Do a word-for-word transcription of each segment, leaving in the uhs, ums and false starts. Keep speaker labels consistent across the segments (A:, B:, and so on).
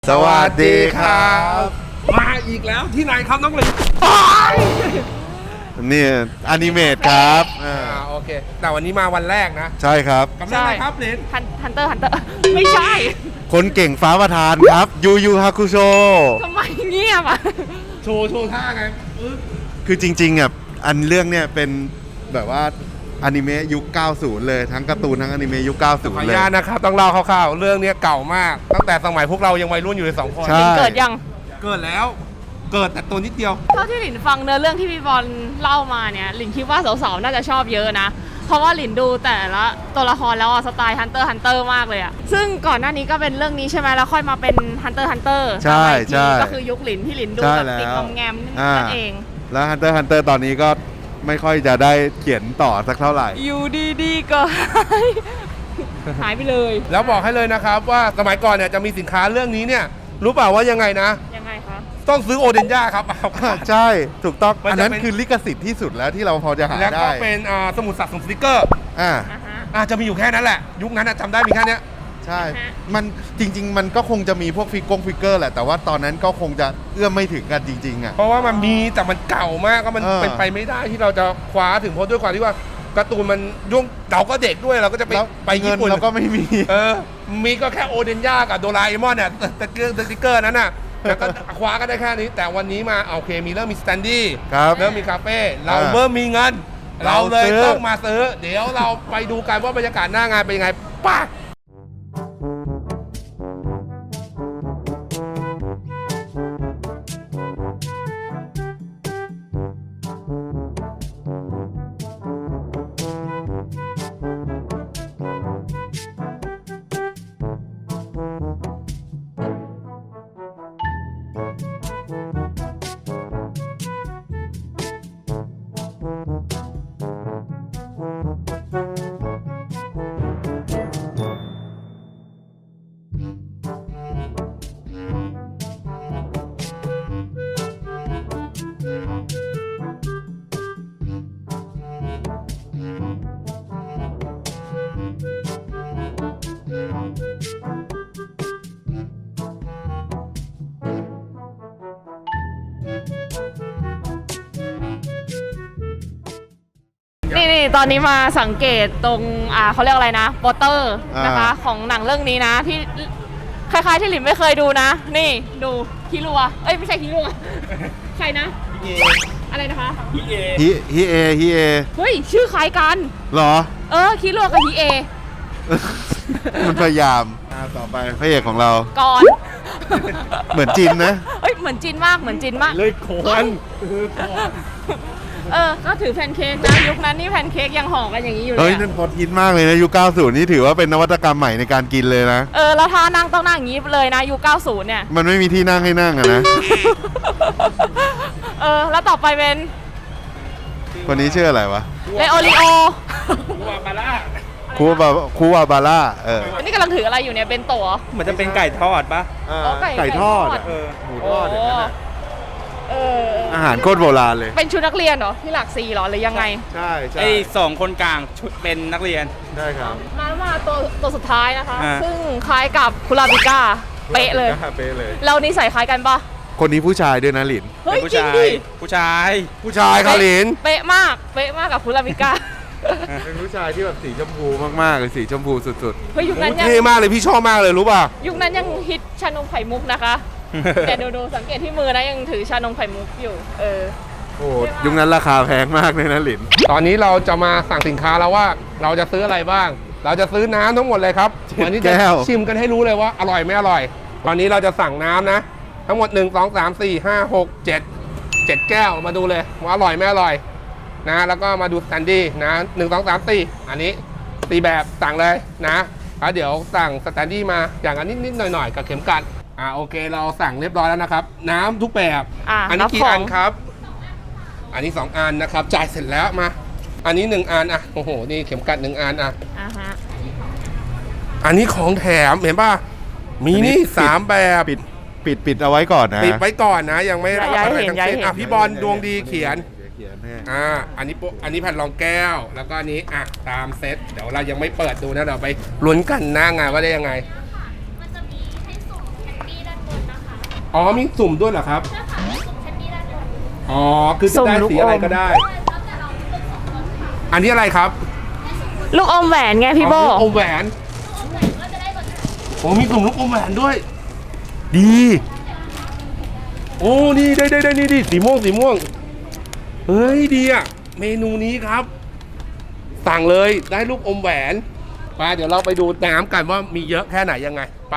A: สวัสดีครับ
B: มาอีกแล้วที่ไหนครับน้องหลิน
A: นี่อนิเมตครับ
B: อ่าโอเคแต่วันนี้มาวันแรกนะ
A: ใช่ครับ
B: กำลังอะไรครับหลิน
C: ฮันเตอร์ฮันเตอร์ไม่ใช่
A: คนเก่งฟ้าประธานครับยูยูฮาคุโช
C: ทำไมเงียบอ่ะ
B: โชว์โชว์ท่าไงปึ๊บ
A: คือจริงๆอ่ะอันเรื่องเนี่ยเป็นแบบว่าอนิเมะยุค เก้าสิบ เลยทั้งการ์ตูนทั้งอนิเมะยุค เก้าสิบ
B: ขออ
A: เล
B: นุ
A: ย
B: ญาตนะครับต้องเล่าคร่าวๆเรื่องนี้เก่ามาก ตั้งแต่สมัยพวกเรายังวัยรุ่นอยู่เลยสองคน
A: ใช่
C: เกิดยัง
B: เกิดแล้ว เกิดแต่ตัวนิดเดียว
C: เท่าที่หลินฟังเนื้อเรื่องที่พี่บอลเล่ามาเนี่ยหลินคิดว่าสาวๆน่าจะชอบเยอะนะ เพราะว่าหลินดูแต่ละตัวละครแล้วอะสไตล์ฮันเตอร์ฮันเตอร์มากเลยอะซึ่งก่อนหน้านี้ก็เป็นเรื่องนี้ใช่ไหมแล้วค่อยมาเป็นฮันเตอร์ฮันเตอร์
A: ใช่ใช่
C: ก็คือยุคหลินที่หลินดู
A: ใช่
C: แบบ
A: แล้ว
C: ติดงอมแงม
A: อ่า
C: นั่นเอง
A: แล้ว Hunter x Hunter ตอนนี้ก็ไม่ค่อยจะได้เขียนต่อสักเท่าไหร่
C: อยู่ดีๆก็ หายไปเลย
B: แล้วบอกให้เลยนะครับว่าสมัยก่อนเนี่ยจะมีสินค้าเรื่องนี้เนี่ยรู้เปล่าว่ายังไงนะ
C: ยังไงคะ
B: ต้องซื้อโอเดนย่าครับ
A: ใช่ถูกต้อง
B: มันจะ
A: อันนั้น
B: เป็น
A: คือลิขสิทธิ์ที่สุดแล้วที่เราพอจะหา
B: แล้วก็
A: ได้
B: เป็นอ่าสมุดสะสมสติกเกอร์
A: อ่า
C: อ่าฮะ
B: อาจจะมีอยู่แค่นั้นแหละ ยุคนั้นอะจำได้มีแค่เนี้ย
A: ใช่
C: ฮะ
A: มันจริง ๆ มันก็คงจะมีพวกฟิกกงฟิกเกอร์แหละ แต่ว่าตอนนั้นก็คงจะเอื้อมไม่ถึงกันจริงๆอ่ะ
B: เพราะว่ามันมีแต่มันเก่ามากก็มัน
A: เออ
B: เป็นไปไม่ได้ที่เราจะคว้าถึงเพราะด้วยความที่ว่าการ์ตูนมันยุ่งเราก็เด็กด้วยเราก็จะไป
A: แล้ว
B: ไป
A: เงิ
B: ญี่
A: น
B: ปุ่น
A: เราก็ไม่มี
B: เออมีก็แค่โอเดนย่ากับโดราเอมอนเนี่ยสติ๊กเกอร์สติ๊กเกอร์นั้นน่ะแล้วก็คว้าก็ได้แค่นี้ แต่วันนี้มาโอเคมีเริ่มมีสแตนดี้
A: ครับ
B: เริ่มมีคาเฟ่เรา
A: อ่า
B: เริ่มมีเงิน เราเลย
A: เราซื้อ
B: ต้องมาซื้อ เดี๋ยวเราไปดูกันว่าบรรยากาศหน้างานเป็นยังไงป่ะ
C: นี่นี่ตอนนี้มาสังเกตตรงอ่าเขาเรียกอะไรนะโปสเตอร์นะคะ
A: อ่า
C: ของหนังเรื่องนี้นะที่คล้ายๆที่หลินไม่เคยดูนะ นี่ดูฮิรัวเอ้ยไม่ใช่ฮิรัว ใครนะอะไรนะคะ
A: ฮิฮิเอฮิเอ
C: เฮ้ยชื่อคล้ายกัน
A: เหรอ
C: เออฮิรัวกับฮิเอ
A: มันพยายามอ่าต่อไปพระเอกของเรา
C: ก่อน
A: เหมือนจินนะ
C: เอ้ยเหมือนจินมากเหมือนจินมาก
B: เลยโคน
C: เออก็ถือแพนเค้กนะยุคนั้นนี่แพนเค้กยังห่อกันอย่างนี้อยู่เล
A: เฮ้ย
C: ย
A: นั่
C: อะ
A: นพอทินมากเลยนะยุค เก้าสิบ นี่ถือว่าเป็นนวัตกรรมใหม่ในการกินเลยนะ
C: เออแล้วท่านั่งต้องนั่งอย่างนี้เลยนะยุคเก้าสิบเนี่ย
A: มันไม่มีที่นั่งให้นั่งอะนะ
C: เออแล้วต่อไปเป็น
A: คนนี้ชื่ออะไรวะ
C: เลโอริโอ
B: วาบาร่า
A: คูบาคูวาบาร่าเออ
C: อันนี้กำลังถืออะไรอยู่เนี่ยเป็นโตะ
D: เหมือนจะเป็นไก่ทอดปะ
A: อ่า
C: อ๋อไก่
A: ไก่ทอด
C: ไก่ทอด
A: อะเออหมูทอดอย่างนั้นอะ
C: เออ
A: อาหารโคตรโบราณเลย
C: เป็นชุดนักเรียนเหรอที่หลักสี่เหรอหรือยังไง
A: ใช่ใช่
D: ไอ้สองคนกลางชุดเป็นนักเรียน
A: ใช่ครับ
C: มามาตัวตัวสุดท้ายนะคะ
D: อ่า
C: ซึ่งคล้ายกับคุราบิก้าเป๊ะเลย
A: เป๊ะเลย
C: เรานิสัยคล้ายกันปะ
A: คนนี้ผู้ชายด้วยนะหลิน
C: เฮ้ย
D: เป็นผู้
C: จริง
D: ชาย
C: ดิ
D: ผู้ชาย
B: ผู้ชายคาลิน
C: เป๊ะมากเป๊ะมากกับคุราบิก้า
A: เป็นผู้ชายที่แบบสีชมพูมากๆเลยสีชมพูสุด
C: เฮ้ยยุคนั้นยัง
B: เท่มากเลยพี่ชอบมากเลยรู้ป่ะ
C: ยุคนั้นยังฮิตชานมไข่มุกนะคะ แต่ดูดูสังเกตที่มือนะยังถือชานมไข่มุกอยู่ เออ
A: ๆ โอ้ยุคนั้นราคาแพงมากเลยนะหลิน
B: ตอนนี้เราจะมาสั่งสินค้าแล้วว่าเราจะซื้ออะไรบ้าง เราจะซื้อน้ำทั้งหมดเลยครับ วันนี้จะ
A: แก้ว
B: ชิมกันให้รู้เลยว่าอร่อยไม่อร่อย ตอนนี้เราจะสั่งน้ำนะ ทั้งหมดหนึ่ง สอง สาม สี่ ห้า หก เจ็ด เจ็ดแก้วมาดูเลยว่าอร่อยไม่อร่อยนะแล้วก็มาดูสแตนดี้นะหนึ่ง สอง สาม สี่อันนี้ตีแบบสั่งเลยนะแล้วเดี๋ยวสั่งสแตนดี้มาอย่างอันนิดๆหน่อยๆกับเข็มกัดอ่าโอเคเราสั่งเรียบร้อยแล้วนะครับ น้ำทุกแบบ
C: อ่ะ
B: อันนี้
C: รับ
B: กี่
C: ของ
B: อันครับ อันนี้สองอันนะครับจ่ายเสร็จแล้วมา อันนี้หนึ่งอันอ่ะโอ้โหนี่เข็มกัดหนึ่งอันอ่ะ
C: อ่าฮะ
B: อันนี้ของแถมเห็นป่ะมีนี่สามแบบ
A: ปิดปิดปิดเอาไว้ก่อนนะ
B: ปิดไว้ก่อนนะ ยังไม่รับ
C: ย้าย
B: อะไร
C: เห็น
B: ทั้ง
C: ย้าย
B: สิ้น
C: เห็น
B: อ่ะพี่บอลดวงดีเขียน
A: เขียนให้
B: อ่า อันนี้โปอันนี้แผ่นรองแก้ว แล้วก็อันนี้ อ่ะ ตามเซต เดี๋ยวเรายังไม่เปิดดูนะ เดี๋ยวไปลุ้นกันหน้างานว่าได้ยังไง
E: มันจะมีให้สุ่มแคนดี้ด้านบน
B: อ๋อมีสุ่มด้วยเหรอครับอ๋อคือจะได้สีอะไรก็ได้ อันนี้อะไรครับ
C: ลูกอมแหวนไงพี่โบ
B: อ๋อลูกอมแหวนโอ้มีสุ่มลูกอมแหวนด้วย ดี โอ้นี่ได้ได้ได้นี่ดิสีม่วงสีม่วงเฮ้ยดีอ่ะเมนูนี้ครับ สั่งเลยได้ลูกอมแหวนไปเดี๋ยวเราไปดูน้ำกันว่ามีเยอะแค่ไหนยังไงไป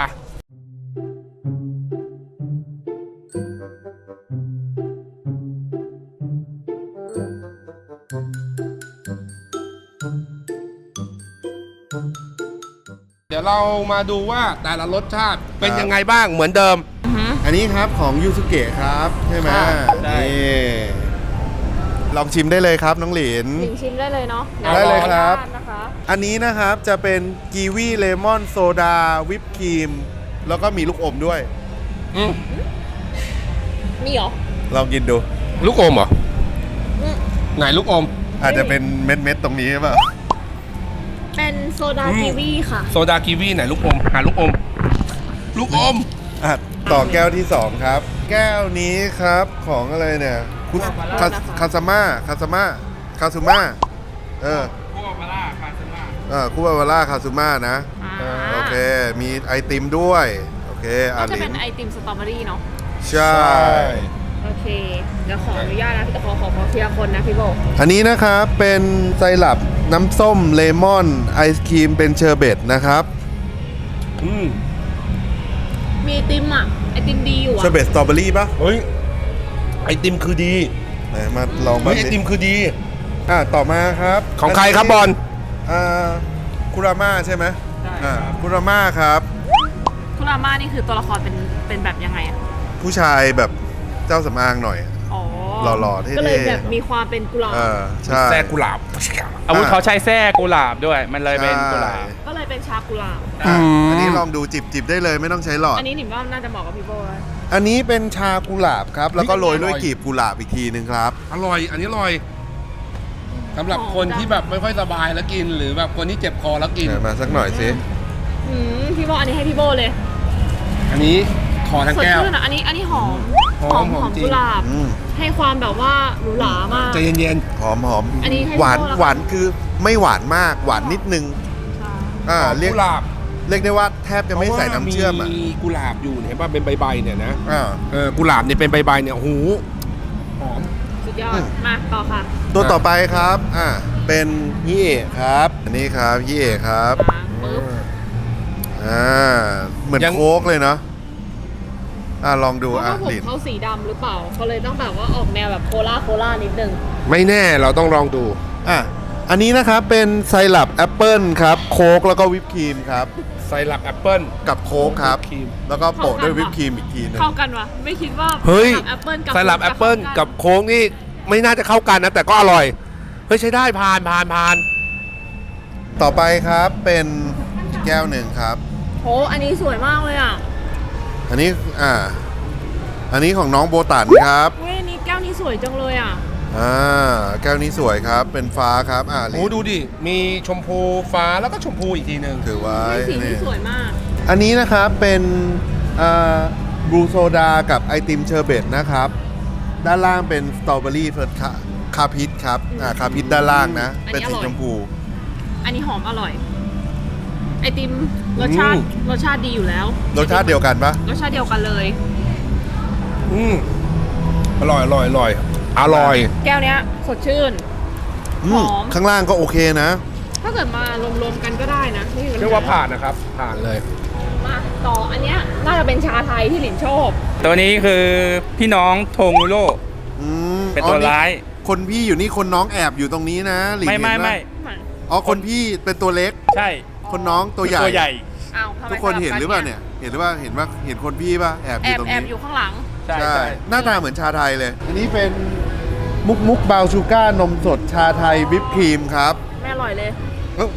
B: เดี๋ยวเรามาดูว่าแต่ละรสชาติเป็นยังไงบ้างเหมือนเดิม
A: อันนี้ครับของยูสุเกะครับใช่ไหม
B: ค่ะ
A: นี่ลองชิมได้เลยครับน้องหลิน
C: หลินชิมได้เลยเนาะ
A: ได้เลยครับ
C: นะคะ
A: อันนี้นะครับจะเป็นกีวีเลมอนโซดาวิปครีมแล้วก็มีลูกอมด้วย
B: อืม
C: มีเหรอ
A: ลองกินดู
B: ลูกอมเหรอ
C: อืม
B: ไหนลูกอม
A: อาจจะเป็นเม็ดๆตรงนี้หรือเปล่า
C: เป็นโซดา
B: อืม
C: กีวีค่ะ
B: โซดากีวีไหนลูกอมหาลูกอม ลูกอม
A: อ่ะต่อแก้วที่สองครับ แก้วนี้ครับของอะไรเนี่ยคุคาคาซาม่าคาซาม่าคาซูม่าเออ
D: พวกมาล่าคาซึมะ
A: เออคูบาวาร่าคาซูม่านะ
C: อ่า
A: โอเค มีไอติมด้วย โอเคอ่ะ
C: ก็จะ
A: ลิ
C: เป็น
A: น
C: ไอติมสตรอเบอรี่เนาะ
A: ใช่
C: โอเค เดี๋ยวขออนุญาตนะพี่ขอขอขอทีละคนนะพี่โบ
A: อันนี้นะครับเป็นไซรัปน้ำส้มเลมอนไอศครีมเป็นเชอร์เบตนะครับ
B: อืม
C: มีไอติมอ่ะ ไอติมดีอยู่
A: เชอ
C: อ่ะ
A: ร์เบตสตรอเบอรี่ปะ
B: เฮ้ยไอติมคือดี
A: ไหนมาลอง
B: เฮ้
A: บ้าย ง
B: ไอติ
A: ดิ
B: มคือดี
A: อ่ะต่อมาครับ
B: ของใครครับบอล
A: อ่าคุราม่าใช่ไหม
D: ใช่
A: อ่าคุราม่าครับ
C: คุราม่านี่คือตัวละครเป็นเป็นแบบยังไงอ่ะ
A: ผู้ชายแบบเจ้าสำอางหน่อย
C: อ๋อ
A: หล่อๆเท่ๆ
C: ก็เลยแบบมีความเป็นกุหลาบ
A: เออใช่
B: แซ่กุหลาบ
D: อาวุธเขาใช้แส้กุหลาบด้วย มันเลยเป็นกุหลาบ
C: ก็เลยเป็นชากุหลาบ
A: อ่ะ
B: อืม
A: อันนี้ลองดูจิบจิบได้เลยไม่ต้องใช้หลอด
C: อันนี้หนิมว่าน่าจะเหมาะกับพี่โบนะ
A: อันนี้เป็นชากุหลาบครับ แล้วก็โรยด้วย
B: อร่อย
A: กลีบกุหลาบอีกทีหนึ่งครับ
B: อร่อย อันนี้อร่อยสำหรับคนที่แบบไม่ค่อยสบายแล้วกิน หรือแบบคนที่เจ็บคอแล้วกิน
A: เดี๋ยวมาสักหน่อยสิ
C: อืมพี่โบอันนี้ให้พี่โบเลย
B: อันนี้ขอทั้ง
C: สด
B: แก้ว
C: ชื่นอ่ะอันนี้อันนี้หอม
B: หอมหอมจริง
C: กุหลาบ
A: อืม
C: ให้ความแบบว่าหรูหรามาก
B: ใจเย็น
A: หอมหอม
C: อันนี้ให้
A: หวาน
C: พี่โบ้แล้ว
A: หวานคือไม่หวานมาก หวานนิดนึง
C: ใช่
B: ๆ
A: อ่า
B: หอม
A: เรียก
B: กุหลาบ
A: เรียกได้ว่าแทบจะไม่ใส่น้ำเชื่อมอ่ะ
B: มีกุหลาบอยู่เนี่ยเห็นป่ะเป็นใบๆเนี่ยนะ
A: อ่า
B: เออกุหลาบเนี่ยเป็นใบๆเนี่ยโอ้โหหอม
C: สุดยอ
A: อื
C: ด
A: ม
C: มาต่อค่ะ
A: ตัวต่อไปครับอ่าเป็นยี่เอะครับ อันนี้ครับยี่เอะครับ
C: มาปึ๊บ
A: อ่าเหมือน
B: ยัง
A: โค้กเลยเนาะอ่าลองดู
C: เพราะ
A: อ่ะ
C: ว่าผม
A: หลิน
C: เขาสีดำหรือเปล่าเขาเลยต้องแบบว่าออกแนวแบบโคลาโคลานิดนึง
B: ไม่แน่เราต้องลองดู
A: อ่ะอันนี้นะครับเป็นไซรัปแอปเปิลครับโค้กแล้วก็วิปครีมครับ
B: ไซรัปแอปเปิ้ล
A: กับโค้กครับ
B: วิปครีม
A: แล้วก็โปะด้วยวิปครีมอีกทีหนึง
C: เข้ากันวะไม่คิดว่า
B: เฮ้ย
C: แอปเปิลกับ
B: ไซรัปแอปเปิ้ลกับโค้งนี่ไม่น่าจะเข้ากันนะ แต่ก็อร่อย เฮ้ยใช้ได้ผ่านผ่านผ่าน
A: ต่อไปครับเป็นอีกแก้วหนึ่งครับ
C: โหอันนี้สวยมากเลยอ่ะ
A: อันนี้อ่าอันนี้ของน้องโบตันครับ
C: เว้ยอันนี้แก้วนี้สวยจังเลยอ่ะ
A: อ่าแก้วนี้สวยครับเป็นฟ้าครับอ่าหลิ
B: โอ้
A: น
B: ดูดิ มีชมพูฟ้าแล้วก็ชมพูอีกทีหนึ่ง
A: ถือไว้
C: เฮ้ยสี
A: นี่
C: นี้สวยมาก
A: อันนี้นะครับเป็นอ่าบลูโซดากับไอติมเชอร์เบตนะครับ ด้านล่างเป็นสตรอเบอรี่เฟิร์สคาคาพิทครับอ่าคาพิทด้านล่างนะ
C: อันนี้
A: เป็นสี
C: อร่อย
A: ชมพู
C: อันนี้หอมอร่อย ไอติมรสชาติรสชาติดีอยู่แล้ว
A: รสชาติเดียวกันปะ
C: รสชาติเดียวกันเลย
B: อืมอร่อยอร่อยอร่อยอร่อย
C: แก้วเนี้ยสดชื่น
A: อืม
C: หอม
A: ข้างล่างก็โอเคนะ
C: ถ้าเกิดมารวมๆกันก็ได้นะไม่มีปัญห
B: เรียกว่าผ่านนะครับ ผ่านเลย
C: มาต่ออันเนี้ยน่าจะเป็นชาไทยที่หลินชอบ
D: ตัวนี้คือพี่น้องโทงูโร่
A: อืม
D: เป็น
A: อ๋อ
D: ตัวร้าย
A: คนพี่อยู่นี่คนน้องแอบอยู่ตรงนี้นะหลิง
D: ไม่ไม่
A: เห็นปะ
D: ไม่
A: อ๋อคนพี่เป็นตัวเล็ก
D: ใช่
A: คนน้องตัวใหญ่
D: ตัวใหญ่
C: อ้าวทำไม
A: ทุกคน
C: สลับ
A: เห็นหรือเปล่าเนี่ย เห็นหรือว่าเห็นว่าเห็นคนพี่ป่ะแอบอ
C: แอยู่ บ
A: ตรง
C: แอบ
A: นี้
C: อยู่ข้างหลัง
D: ใช่
A: ใช่
D: ใช่
A: หน้าตาเหมือนชาไทยเลย อันนี้เป็นมุกมุกบาวชูก้านมสดชาไทยวิปครีมครับ
C: ไม่อร่อยเลย
A: เอ้า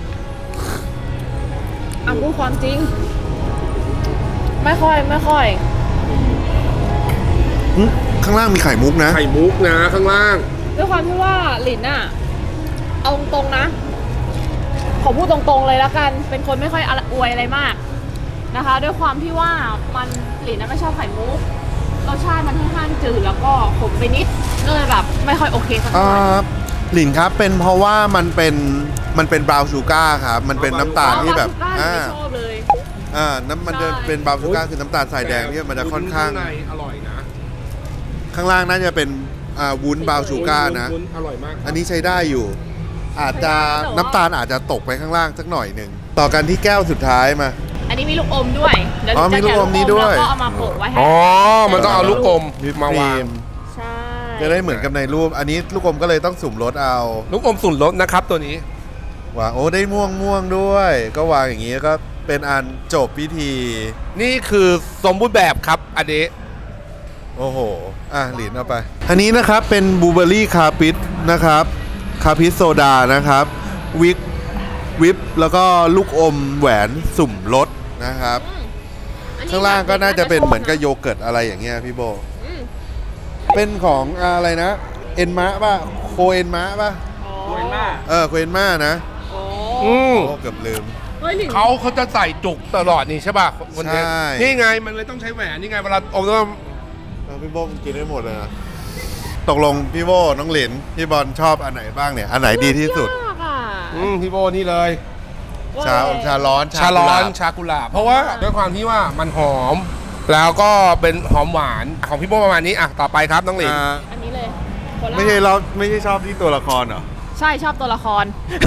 C: อ่ะพูดความจริง ไม่ค่อยไม่ค่อย
A: หึข้างล่างมีไข่มุกนะ
B: ไข่มุกนะข้างล่าง
C: ด้วยความที่ว่าหลินอะเอาตรงๆนะ ขอพูดตรงๆเลยแล้วกัน เป็นคนไม่ค่อยอวยอะไรมากนะคะ ด้วยความที่ว่ามันหลินน่ะไม่ชอบไข่มุกรสชาติมันค่อนข้างจืดแล้วก็ขมไปนิดก็เลยแบบไม่ค่อยโอเคสัก
A: อ่
C: เท่าไหร่
A: าหลินครับเป็นเพราะว่ามันเป็นมันเป็นบราวน์ชูการ์ครับมันเป็นน้ำตาลที่แบบ
C: อ๋อ
A: อ่า
C: ไม่ชอบเลย
A: อ่าน้ำมันจะ
C: ใช่
A: เป็นบราวน์ชูการ์คือน้ำตาลทรายแดงที่มันจะค่อนข้าง
B: ในอร่อยนะ
A: ข้างล่างน่าจะเป็นอ่าวุ้นบราวน์ชูการ์นะ
B: วุ้นอร่อยมาก
A: อันนี้ใช้ได้อยู่ อาจจะน้ำตาลอาจจะตกไปข้างล่างสักหน่อยหนึ่งต่อกันที่แก้วสุดท้ายมา
C: อันนี้มีลูกอมด้วยเดี๋ยว
A: อ๋อ
C: จะ
A: มีลูกอมนี้ด้วย
C: แล้วก็เอามาโปะไว้ให้
B: อ๋อ มันต้องเอาลูกอม
A: วิป
B: มา
A: ครี
B: วาง
A: ม
C: ใช่
A: จะได้เหมือนกับในรูป อันนี้ลูกอมก็เลยต้องสุ่มรสเอา
B: ลูกอมสุ่นรสนะครับตัวนี้
A: วางโอ้ได้ม่วงม่วงด้วย ก็วางอย่างนี้ก็เป็นอันจบพิธี
B: นี่คือสมบูรณ์แบบครับอันนี้
A: โอ้โห อ่ะหลินเอาไป อันนี้นะครับเป็นบลูเบอร์รี่คาปิสนะครับ คาปิสโซดานะครับ วิปวิปแล้วก็ลูกอมแหวนสุ่มรสนะครับ
C: อันนี้
A: ข้างล่างก็น่าจะเป็นเหมือนกับ
C: ช
A: โยเกิร์ตอะไรอย่างเงี้ยพี่โบ
C: อืม
A: เป็นของอะไรนะ เอ็นมะป่ะ โคเอ็นมะป่ะ
C: อ๋อ
D: โวยมาก
A: เออ โคเอ็นมะนะ
C: โอ้
B: อืม
A: โอ้เกือบลืม
C: เฮ้ยหลิน
B: เขาเขาจะใส่จุกตลอดนี่ใช่ป่ะคนนี้
A: ใช่
B: นี่ไงมันเลยต้องใช้แหวนนี่ไงเวลาอมต้อง
A: เออพี่โบกินได้หมดเลยนะ ตกลงพี่โบน้องหลิน พี่บอลชอบอันไหนบ้างเนี่ย อันไหนดีที่สุด
C: ยากอ่ะ
B: อืมพี่โบนี่เลย
A: ชาชาร้อน
B: ชาร้อน
A: กุหลบ
B: ชากุหลาบเพราะว่าด้วยความที่ว่ามันหอม แล้วก็เป็นหอมหวานของพี่โบประมาณนี้อ่ะต่อไปครับน้องหลิน
A: อ่า
C: อันนี้เลยโคลา
A: ไม่ใช่เราไม่ใช่ชอบที่ตัวละครเหรอ
C: ใช่ชอบตัวละคร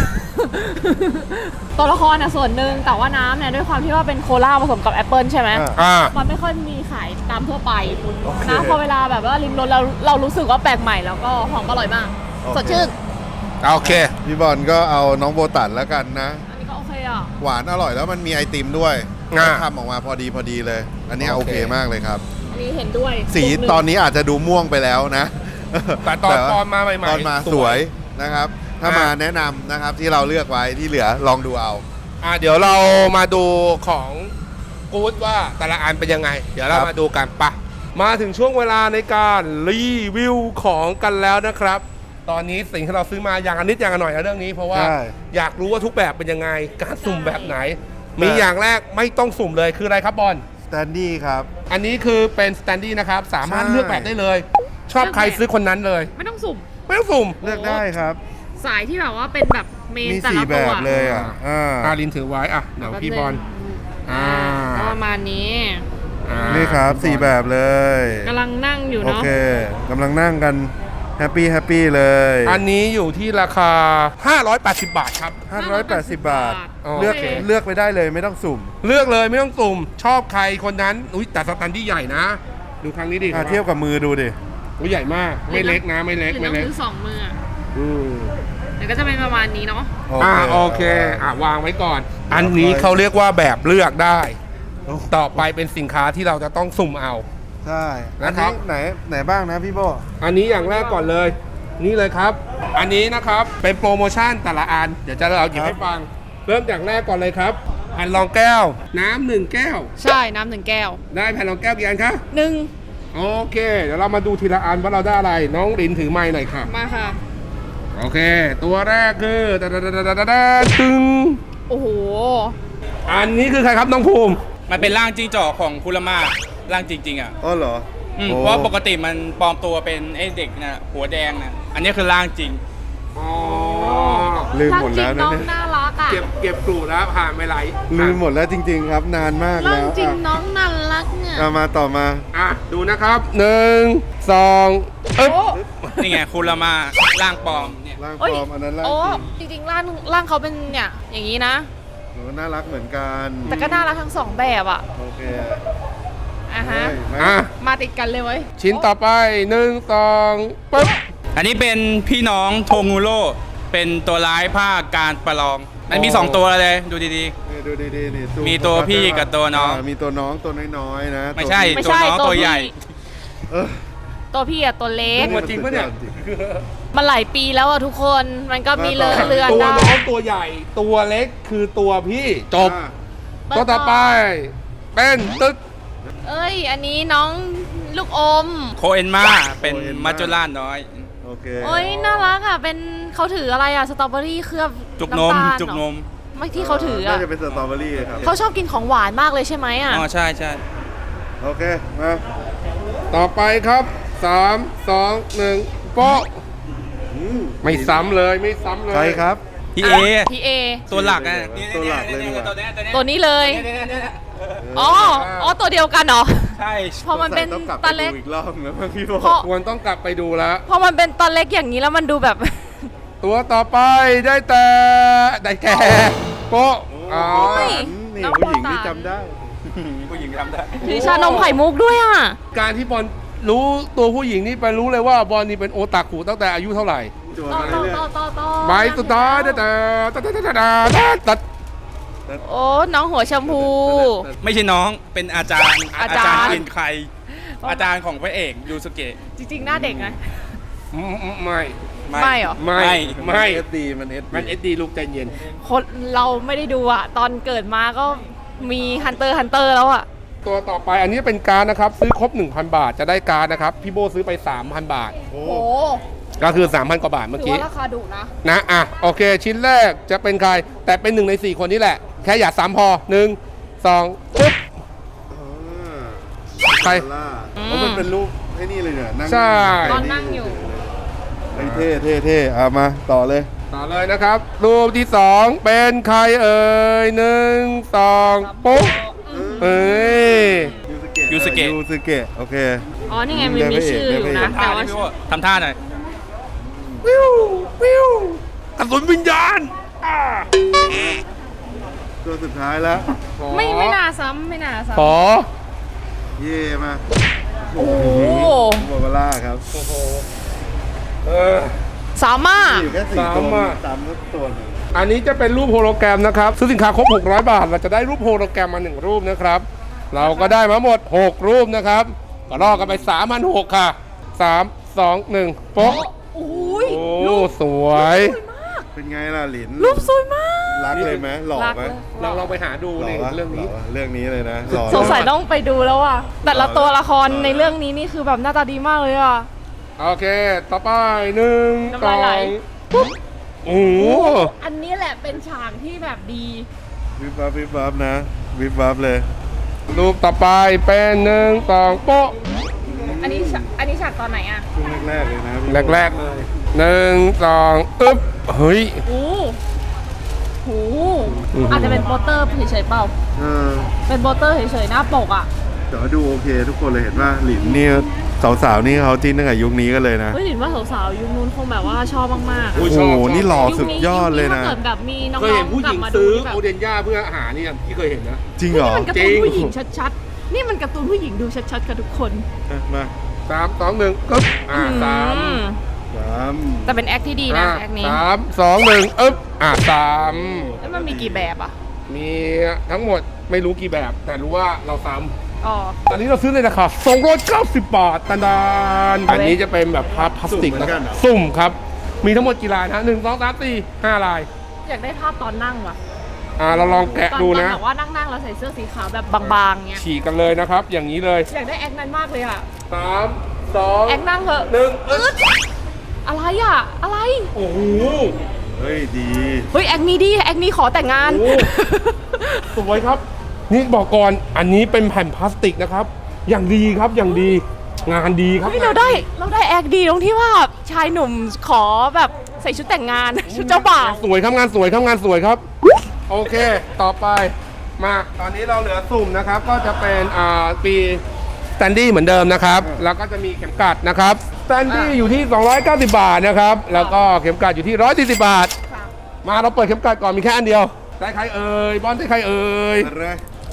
C: ตัวละครอ่ะส่วนหนึ่งแต่ว่าน้ำเนี่ยด้วยความที่ว่าเป็นโคลาผสมกับแอปเปิลใช่ไหม
A: อ่า
B: อ่า
C: มันไม่ค่อยมีขายตามทั่วไป
A: โอเค
C: นะพอเวลาแบบว่าริมรสเราเรารู้สึกว่าแปลกใหม่แล้วก็หอมอร่อยมาก
A: โอเค
C: สดชื่น
B: โอเค
A: พี่บอลก็เอาน้องโบตันแล้วกันนะ
C: อันนี้ก็โอเคอ่ะ
A: หวานอร่อยแล้วมันมีไอติมด้วย
B: อ่า
A: ทำออกมาพอดีพอดีเลย อันนี้
B: โอ
A: โอ
B: เค
A: เคมากเลยครับ
C: อันนี้เห็นด้วย
A: สี
C: กลุ่มหง
A: ตอนนี้อาจจะดูม่วงไปแล้วนะ
B: แต่ตอน
A: ว่า
B: ตอนมาใหม่ๆ
A: ตอนมา
B: ส
A: ส
B: ว
A: วย ยนะครับ ถ้า
B: อ่าม
A: มาแนะนำนะครับที่เราเลือกไว้ที่เหลือลองดูเอา
B: อ่ะเดี๋ยวเรามาดูของกู๊ดว่าแต่ละอันเป็นยังไง เดี๋ยวเรา
A: ครับ
B: มาดูกันปะมาถึงช่วงเวลาในการรีวิวของกันแล้วนะครับ ตอนนี้สิ่งที่เราซื้อมาอย่างละนิดอย่างละหน่อยนะเรื่องนี้เพราะว่า
A: ใช่
B: อยากรู้ว่าทุกแบบเป็นยังไง การสุ่มแบบไหน มีอย่างแรกไม่ต้องสุ่มเลยคืออะไรครับบอล
A: สแตนดี้ครับ
B: อันนี้คือเป็นสแตนดี้นะครับ สามารถ
A: ใช่
B: เลือกแบบได้เลย ชอบใครซื้อคนนั้นเลย
C: ไม่ต้องสุ่ม
B: ไม่ต้องสุ่ม
C: โอ้
A: เลือกได้ครับ
C: สายที่แบบว่าเป็นแบบเมน
A: มี
C: แต่
A: สี่
C: ละ
A: แบ
C: ตัว
A: บเลยอ่ะอ่า
B: อาลินถือไว้อ่ะเดี๋ยวพี่บอล อ่า
C: ก็ประมาณนี้
B: อ่า
A: นี่ครับสี่แบบเลย
C: กำลังนั่งอยู่
A: โอ
C: เนาะ
A: เคกำลังนั่งกันแฮปปี้แฮปปี้เลย
B: อันนี้อยู่ที่ราคา ห้าร้อยแปดสิบ บาทครับ
A: ห้าร้อยแปดสิบบาท
B: โอเค
A: เลือกเลือกไปได้เลยไม่ต้องสุ่ม
B: เลือกเลยไม่ต้องสุ่ม ชอบใครคนนั้น อุ้ยแต่สแตนดี้ใหญ่นะ ดูครั้งนี้ดิ
A: อ่ะเทียบกับมือดูดิ
B: อุ้ยใหญ่มาก ไม่เล็กนะ ไม่เล็ก
C: หรือ
B: ไม่
C: ต้อง
B: เล็ก
C: ซื้อสองมืออะ
B: อืม
C: เดี๋ยวก็จะเป็นประมาณนี้เนาะ
B: อ่าโอเค อ่ะวางไว้ก่อน อันนี้เขาเรียกว่าแบบเลือกได้ ต่อไปเป็นสินค้าที่เราจะต้องสุ่มเอา
A: ใช่
B: นะครับ
A: อัไหนไหนบ้างนะพี่โบ
B: อันนี้อย่างแรกก่อนเลย นี่เลยครับ อันนี้นะครับเป็นโปรโมชั่นแต่ละอัน เดี๋ยวจะเราหยิบให้ฟัง เริ่มจากแรกก่อนเลยครับแผ่นรองแก้ว น้ำหนึ่งแก้ว
C: ใช่น้ำหนึ่งแก้ว
B: ได้แผ่นรองแก้วกี่อันคะ
C: หนึ่ง
B: โอเค เดี๋ยวเรามาดูทีละอันว่าเราได้อะไร น้องลินถือไม้หน่อยค่ะ
C: มาค่ะ
B: โอเค ตัวแรกคือตะตะตะตะตะตะตะตึง
C: โอ้โห
B: อันนี้คือใครครับน้องภูมิ
D: มันเป็นร่างจิ้งจอกของคุรามาร่างจริงๆอ่ะ
A: อ๋อเหรอ
D: อืม
A: โอ้
D: เพราะปกติมันปลอมตัวเป็นไอ้เด็กน่ะหัวแดงน่ะอันนี้คือร่างจริง
B: อ๋อ
A: ลืมหมดแล้ว
C: ร่างจริงน้อง
A: นะเนี่ย
C: น่ารักอ่ะ
B: เก็บเก็บกลูแล้วผ่านไปหลาย
A: ลืมหมดแล้วจริง ๆ ครับนานมาก
C: ร่า
A: แล้
C: ง
A: ว
C: จริง
A: อ่ะ
C: น้องน่ารักเนี่ย
A: เอามาต่อมา
B: อ่ะ ดูนะครับหนึ่งสองอึ๊บ
C: โอ้
D: นี่ไงคุรามาร่างปลอมเนี่ย
A: ร่างป
C: เอ้ย
A: ลอมอันนั้นร่าง
C: โอ้
A: จริง
C: จริงๆร่างร่างเขาเป็นเนี่ยอย่างนี้นะ
A: โอ้น่ารักเหมือนกัน
C: แต่ก็น่ารักทั้งสองแบบอ่ะ
A: โอเค
C: อ่ะฮะ
A: เฮ้ยมา
B: อ่ะ
C: มาติดกันเลยเว้ย
B: ชิ้นต่อไปหนึ่งสองปึ๊บ
D: อันนี้เป็นพี่น้องโทงูโร่เป็นตัวร้ายภาคการประลอง มันมี
B: อ๋อ
D: สองตัวเลยดูดี
A: นี่ดูดีๆนี่ซู
D: มีตัวพี่กับตัวน้อง
A: ามีตัวน้องตัวน้อยๆนะ
D: ๆ ไม่ใช่
C: ไม่
D: ตัว
C: ใช่
D: น้องตัวใหญ่
C: พี่
A: เออ
C: ตัวพี่อะตัวเล็ก
B: ตัวจริงปะเนี่ย
C: มันหลายปีแล้วอะทุกคน มันก็มีเลอะเลือน
B: ตัว
C: ได้
B: น้องตัวใหญ่ ตัวเล็กคือตัวพี่ จบ
A: อ่ะ
B: ตัวต่อไป เป็นตึ๊ก
C: เอ้ย อันนี้น้องลูกอม
D: โคเอนมาเป็นมัจจุราชน้อย
A: โอเค
C: โอ้ยน่ารักอะเป็นเขาถืออะไรอะสตรอเบอรี่เคลือบ
D: จุกนม
C: ำตาล
D: จุกนม
C: ไม่ที่เขาถืออะ
A: น่าจะเป็นสตรอเบอรี่ครับ
C: เขาชอบกินของหวานมากเลยใช่ไหมอะ
D: อ๋อใช่ใช่
A: โอเค มา
B: ต่อไปครับสามสองหนึ่งโป๊ะไม่ซ้ำเลยไม่ซ้ำเลย
A: ใครครับ
D: พี่เอ
C: พี่เอ
D: ตัวหลักอ่ะ
A: ตัวหลักเลยดีกว่า
D: ตัวเนี้ยตัวเนี้ย
C: ตัวนี้เลย
D: เนี่ยเนี่ยเนี่ย
C: อ๋อ อ๋อ ตัวเดียวกันเหรอ
D: ใช่
C: พอมันเป็น
A: ต้องกลับไป
C: ตาเล็ก
A: ดูอีกรอบนะพี่โบ
C: เพราะ
B: ควรต้องกลับไปดูแล้ว
C: พอมันเป็นตาเล็กอย่างนี้แล้วมันดูแบบ
B: ตัวต่อไปได้แต่ได้แก่โป๊ะอ๋อ
A: นี่
C: น้อง
A: ผู้หญิง
C: โบตัน
A: ที่จำได้
D: ผู้หญิงทำได้
C: ถือชานมไข่มุกด้วยอ่ะ
B: การที่บอลรู้ตัวผู้หญิงนี่ไปรู้เลยว่าบอลนี่เป็นโอตาคุตั้งแต่อายุเท่าไหร่
A: จัว
C: ต่อ
A: มา
C: ต่อ
A: เรื่อย
C: ต่อต่อต่อ
B: ใบสุดท้ายได้แต่ตัดตัดตัดตัดตัด
C: โอ้ น้องหัวชมพู
D: ไม่ใช่น้องเป็นอาจารย์
C: อาจารย์
D: เป็นใคร อาจารย์ของพระเอกยูสุเกะ
C: จริงๆ หน้าเด็กนะ
B: อืมอืมไม่
C: ไม่เหรอ
B: ไม่
A: ๆ
B: ไม่
A: เอสดีมันเอส
B: มันเอสดีลูกใจเย็น
C: คนเราไม่ได้ดูอ่ะ ตอนเกิดมาก็มีฮันเตอร์ฮันเตอร์แล้วอ่ะ
B: ตัวต่อไปอันนี้เป็นการดนะครับ ซื้อครบ หนึ่งพัน บาทจะได้การดนะครับ พี่โบซื้อไป สามพัน บาท
A: โอ้
C: โอ้
B: ก็คือ สามพัน กว่าบาทเมื่อ
C: ถือ
B: กี้
C: ว่าราคาดุนะ
B: นะอ่ะโอเค ชิ้นแรกจะเป็นใคร แต่เป็นหนึ่งในสี่คนนี้แหละ แค่อย่าซ้ำพอหนึ่งสองปึ๊บ ใคร
A: ล่า
C: อืม
A: เพราะมันเป็นรูปไอ้นี่เลยเนี่ยนั่ง
B: ใช่
C: ตอนนั่งอยู่
A: ไอ้เท่เท่เท่เอามาต่อเลย
B: ต่อเลยนะครับ รูปที่สองเป็นใครเอ่ยหนึ่งสองปุ๊บเอ้ย
A: ยูสเกะยูสเกะโอเค
C: อ๋อ นี่ไงมันมีชื่ออยู่นะ
D: ท่า
C: แต่ว่า
D: ดิพี่โบทำท่าหน่อย
B: วิววิวกระสุนวิญญาณอ่า
A: ตัวสุดท้ายแล้ว
C: ไม่ไม่น่าซ้ำไม่น่าซ้ำ
B: ขอ
A: เย่มา
C: โอ้โห
A: โบวาร่าครับ
B: เออ
C: สามารถ
A: อยู่แค่สี่ตัว
B: สามอะ
A: สามตัวหนึ่ง
B: อันนี้จะเป็นรูปโฮโลแกรมนะครับ ซื้อสินค้าครบ หกร้อย บาท เราจะได้รูปโฮโลแกรมมาหนึ่งรูปนะครับ เราก็ได้มาหมด หก รูปนะครับ ก็รอกันไป สามพันหกร้อย ค่ะ สาม สอง หนึ่งโป๊ะ
C: โอ้ย
B: โอ้
C: รูป
B: สวย
C: สวยมาก
A: เป็นไงล่ะหลิน
C: รูปสวยมาก
A: รักเลยไหมหล่อ
C: รัก
A: ไหม
C: เลย
B: เราลองไปหาดู
A: หล่
B: ใน
A: อวะ
B: เรื่องนี้
A: หล่อวะเรื่องนี้เลยนะหล่อ
C: สงสัยต้องไปดูแล้วอ่ะ แต่ละตัวละคร
A: หล่อ
C: ในเรื่องนี้นี่คือแบบหน้าตาดีมากเลยอ่ะ
B: โอเค ต่อไปหนึ่ง
C: น้ำ
B: ส
C: ลา
B: อย
C: ไหล
B: งปุ๊บโอ้โห
C: อันนี้แหละเป็นฉากที่แบบดี
A: วิบวับวิบวับนะวิบวับเลย
B: รูปต่อไปเป็นหนึ่งสองโป๊ะ
C: อันนี้ฉากอันนี้ฉากตอนไหนอ่ะ
A: ช่วงแรกๆเลยนะพี่
B: แรกๆเลยหนึ่งสองอึ๊บเฮ้ย
C: โอ้โห
B: อือหืออ
C: อาจจะเป็นโปสเตอร์เฉยๆเปล่า
A: เออ
C: เป็นโปสเตอร์เฉยๆหน้าปกอ่ะ
A: แต่ว่าดูโอเคทุกคนเลยเห็นว่าหลินนี่สาวๆนี่เขาจิ้นตั้งแต่ยุคนี้กันเลยนะ
C: เฮ้ยหลินว่าสาวๆยุคนู้นคงแบบว่าชอบมากๆ
B: โอ้
C: อะ
B: ย
A: โอ้โหนี่หล่อสุดยอดเลย
C: ถ้า
A: นะ
C: เกิดแบบมีน้อง
B: เคยเห็นผู้
C: ๆ
B: ห
C: กลั
B: ญิ
C: บ
B: ง
C: มาดู
B: ซื้อ
C: แบบ
B: โอเดนย่าเพื่ออาหารนี่พี่เคยเห็นนะ
A: จริงเหรอ
C: นี่มันการ์ตูนผู้หญิงชัดๆ นี่มันการ์ตูนผู้หญิงดูชัดๆกับทุกคน
A: อ่ะมา
B: สามสองหนึ่งกึ๊บอ่าสาม
C: อืม
A: สาม
C: แต่เป็นแอคที่ดีนะ
B: อ่า
C: แอคนี้
B: สามสองหนึ่งอึ๊บอ่าสาม
C: แล้วมันมีกี่แบบอ่ะ
B: มีทั้งหมดไม่รู้กี่แบบ แต่รู้ว่าเราซ้ำ
C: อ๋อ
B: อันนี้เราซื้อในราคาสองร้อยเก้าสิบบาทตันดานอันนี้จะเป็นแบบพลาพลาสติกนะสุ่มครับ มีทั้งหมดกี่ลายนะหนึ่งสองสามสี่ห้าลาย
C: อยากได้ภาพตอนนั่งว่ะ
B: อ่าเราลองแกะ
C: ตอน
B: ดู
C: ตอน
B: นะ
C: แบบว่านั่งๆแล้วใส่เสื้อสีขาวแบบบางๆเงี้ย
B: ฉีกกันเลยนะครับ อย่างนี้เลย
C: อยากได้แอคนั้นมากเลยอ่ะ
B: สามสอง
C: แอคนั่งเถอะ
B: หนึ่ง
C: อึ๊ดอะไรอ่ะ อะไร
B: โอ้โห
A: เฮ้ยดี
C: เฮ้ยแอคนี้ดิแอคนี้ขอแต่งงาน
B: โอ้ สวยครับ นี่บอกก่อนอันนี้เป็นแผ่นพลาสติกนะครับ อย่างดีครับอย่างดี งานดีครับ
C: เฮ้ยเราได้เราได้แอคดีตรงที่ว่าชายหนุ่มขอแบบใส่ชุดแต่งงาน ชุดเจ้าบ่าว
B: สวยครับงานสวยครับงานสวยครับ โอเค ต่อไปมาตอนนี้เราเหลือสุ่มนะครับ ก็จะเป็นอ่าปีสแตนดี้เหมือนเดิมนะครับ แล้วก็จะมีเข็มกลัดนะครับสแตนดี้อยู่ที่ สองร้อยเก้าสิบบาทนะครับ แล้วก็เข็มกลัดอยู่ที่หนึ่งร้อยสี่สิบบาท มาเราเปิดเข็มกลัดก่อนมีแค่อันเดียวได้ใครเอ่ยบอลได้ใครเอ่ย
A: อะไร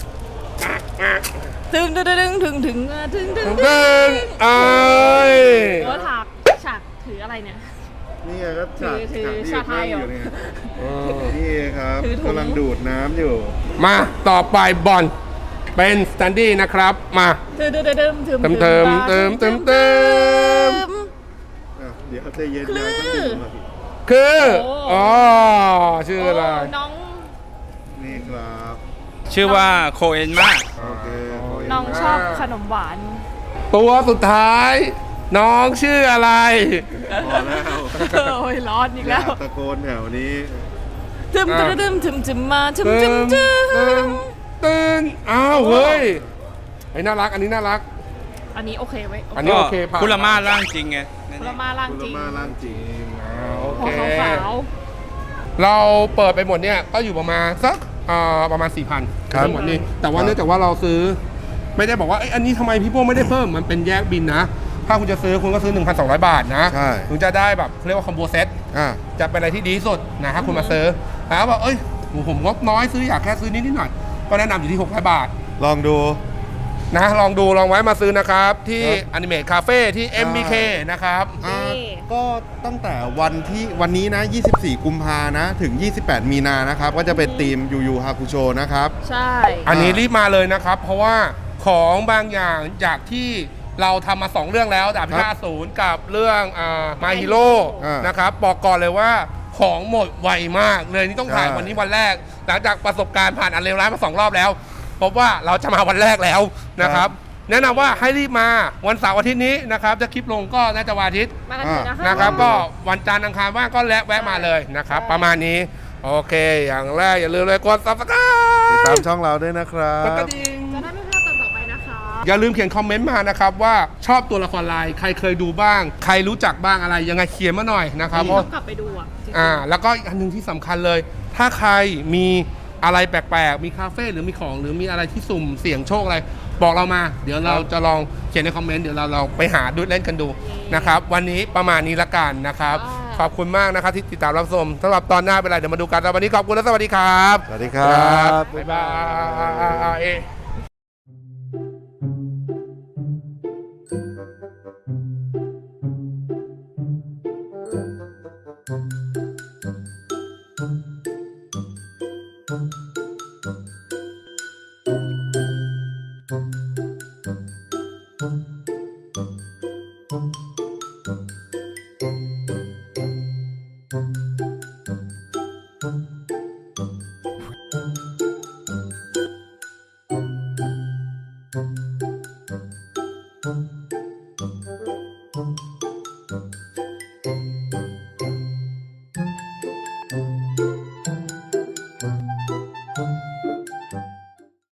C: ถึงถึงถึงถึงถึงถึงถึง
B: ตึ้งเอ้ย
C: โอ้ฉากฉากถืออะไรเนี่ย
A: นี่ไงก็ฉาก
C: ถือ
A: ฉากที่
C: ชาไทยเหรอ
A: นั่งอยู่เนี่ย
B: เออ
A: นี่ครับ
C: ถือถุง
A: กำลังดูดน้ำอยู่
B: มาต่อไปบอลเป็นสแตนดี้นะครับมา
C: ถึงถึงถึงถึง
B: เติมเติมเติมเติมเติม
A: อ่ะเดี๋ยวใจเย็น
C: คลื่
A: นะ
C: น
A: ต้องดูมาสิ
B: คือ
C: โอ้
B: อ๋อชื่ออะไร
C: โน้อง
A: นี่ครับ
D: ชื่อว่าโคเอนมาก
A: โอเคขอ
C: น้องชอบขนมหวาน
B: ตัวสุดท้าย น้องชื่ออะไร
A: พอแล้ว
C: โอ้ยร้อนอีก
A: อ
C: แล้
A: ย่าว ตะโกนแถวนี้
C: ถึมถึมถึมถึมถึมมาถึมถึมถึ
B: ตื่น
C: ม
B: ตื่นอ้าวเฮ้ยไอ้น่ารักอันนี้น่ารัก
C: อันนี้โอเคไหม
B: อันนี้โอเคผ่าน
D: คุรามาร่างจริงไง
C: คุรามาล่างจริง
A: มาล่างจริง
B: อ่าโอ
C: พอ
B: เค
C: ขาว
B: เราเปิดไปหมดเนี่ยก็อยู่ประมาณสักอ่าประมาณ สี่พัน
A: ครับ
B: ทั้งหมดนี่แต่ว่า
A: ครับ
B: เนื่องจากว่าเราซื้อ ไม่ได้บอกว่าเอ้ยอันนี้ทำไมพี่โป้ไม่ได้เพิ่มมันเป็นแยกบินนะ ถ้าคุณจะซื้อคุณก็ซื้อ หนึ่งพันสองร้อย บาทนะ
A: ใช่
B: ถึงจะได้แบบเขาเรียกว่าคอมโบเซต
A: อ่า
B: จะเป็นอะไรที่ดีที่สุดนะถ้าคุณมาซื้อแล้วบอกเอ้ยผมงบน้อยซื้ออยากแค่ซื้อนิดนิดหน่อยก็แนะนำอยู่ที่หกร้อยบาท
A: ลองดู
B: นะลองดูลองไว้มาซื้อนะครับที่
A: ครับ
B: อนิเม e คาเฟ่ที่ เอ็ม บี เค นะครับ
A: อ่าก็ตั้งแต่วันที่วันนี้นะ ยี่สิบสี่ กุมภานะ ถึง ยี่สิบแปด มีนานะครับ ก็จะเป็นทีมยูยูฮาคุโชนะครับ
C: ๆใช่
B: อันนี้รีบมาเลยนะครับ เพราะว่าของบางอย่างจากที่เราทำมา สอง เรื่องแล้วดาบพิฆาตอสูรกับเรื่องมาฮิโร่
A: อ่าน
B: นะครับบอกก่อนเลยว่าของหมดไวมากเลยนี่ต้องถ่าย
A: ใช่
B: วันนี้วันแรก หลังจากประสบการณ์ผ่านอันเลวร้ายมาสองรอบแล้วพบว่าเราจะมาวันแรกแล้วนะครับ แนะนำว่าให้รีบมาวันเสาร์อาทิตย์นี้นะครับจะคลิปลงก็น่าจะวันอาทิตย์
C: มากันเถอะนะคะ
B: นะครับก็วันจันทร์อังคารว่างก็แวะแวะมาเลยนะครับ ประมาณนี้ โอเค อย่างแรกอย่าลืมเลยกด
A: ติด
B: subscribe
A: ตามช่องเราด้วยนะครั
B: กดก
A: บ
B: ระดิ่ง
C: จะได้ไม่พลาดตอนต่อไปนะคะ
B: อย่าลืมเขียนคอมเมนต์มานะครับว่าชอบตัวละครลายใครเคยดูบ้าง ใครรู้จักบ้างอะไรยังไงเขียนมาหน่อยนะครับเพราะ
C: ต้องกลับไปดูอ่ะจริงๆ
B: อ่าแล้วก็อีกอันหนึงที่สำคัญเลย ถ้าใครมีอะไรแปลกๆ มีคาเฟ่หรือมีของหรือมีอะไรที่สุ่มเสี่ยงโชคอะไร บอกเรามา เดี๋ยวเราจะลองเขียนในคอมเมนต์เดี๋ยวเราเราไปหาดูเล่นกันดูนะครับวันนี้ประมาณนี้ละกันนะครับ ขอบคุณมากนะครับที่ติดตามรับชมสำหรับตอนหน้าเป็นไรเดี๋ยวมาดูกันแล้ววันนี้ขอบคุณและสวัสดีครับ
A: สวัสดีครับ
B: บ๊ายบาย
A: Thank you.